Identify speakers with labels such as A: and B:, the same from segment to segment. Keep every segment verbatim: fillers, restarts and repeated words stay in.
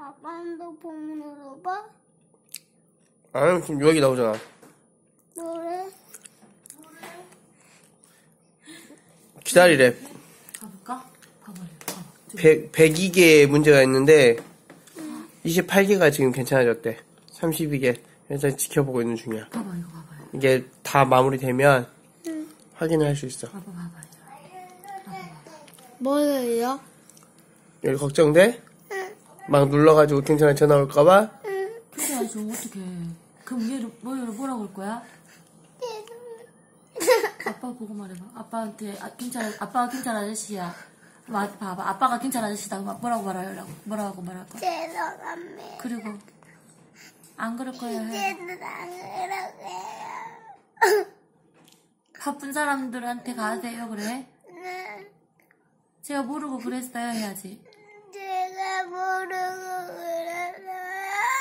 A: 아빠 핸드폰 눌러봐.
B: 아, 지금 여기 나오잖아.
A: 뭐래?
B: 기다리래.
C: 가볼까? 봐봐요. 봐봐.
B: 백, 백이 개 문제가 있는데, 이십팔 개가 지금 괜찮아졌대. 삼십이 개. 그래서 지켜보고 있는 중이야.
C: 봐봐, 이거 봐봐요.
B: 이게 다 마무리되면,
A: 응.
B: 확인을 할 수 있어.
C: 봐봐, 봐봐요.
A: 뭐예요?
B: 여기 걱정돼?
A: 응.
B: 막 눌러가지고 경찰에 전화 올까봐?
A: 응.
C: 근데 아저씨 어떡해. 그럼 얘를, 뭐, 얘를 뭐라고 할 거야? 아빠 보고 말해봐. 아빠한테, 아, 경찰, 아빠가 경찰 아저씨야. 마, 봐봐. 아빠가 경찰 아저씨다. 그럼 뭐라고 말하려고? 뭐라고 말할 거야?
A: 죄송합니다.
C: 그리고, 안 그럴 거야. 해.
A: 이제는 안 그러게요.
C: 바쁜 사람들한테 가세요, 그래?
A: 네.
C: 제가 모르고 그랬어요, 해야지.
A: 제가 모르고 그랬어요.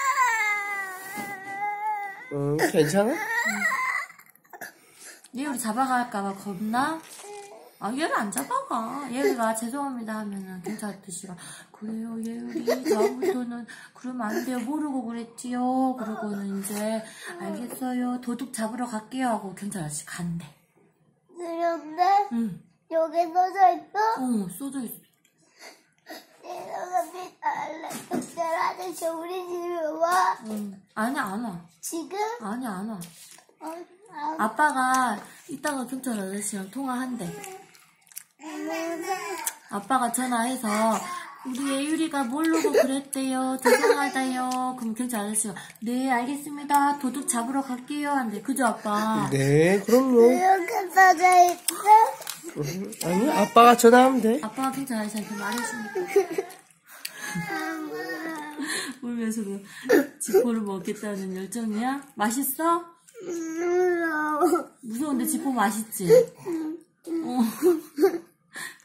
B: 응, 괜찮아?
C: 얘 우리 잡아갈까봐 겁나? 아, 얘를 안 잡아가. 얘가 죄송합니다 하면은 경찰 아저씨가 그래요, 얘우리 다음부터는 그러면 안 돼요. 모르고 그랬지요. 그러고는 이제 알겠어요. 도둑 잡으러 갈게요 하고 경찰 아저씨 간대.
A: 그런데
C: 응.
A: 여기 써져 있어?
C: 어, 써져 있어.
A: 죄송합니다. 경찰 아저씨 우리 집에 와.
C: 응. 아니, 안 와.
A: 지금?
C: 아니, 안 와.
A: 어, 아,
C: 아빠가 이따가 경찰 아저씨랑 통화한대. 아빠가 전화해서 우리 예율이가 모르고 그랬대요. 죄송하다요. 그럼 경찰 아저씨가 네 알겠습니다. 도둑 잡으러 갈게요 한대. 그죠 아빠?
B: 네, 그럼요.
A: 이렇게 써져 있어?
B: 아니, 아빠가 전화하면 돼.
C: 아빠가 경찰 아저씨한테 말해주니까 울면서도 지포를 먹겠다는 열정이야? 맛있어?
A: 무서워.
C: 무서운데 지포 맛있지? 어.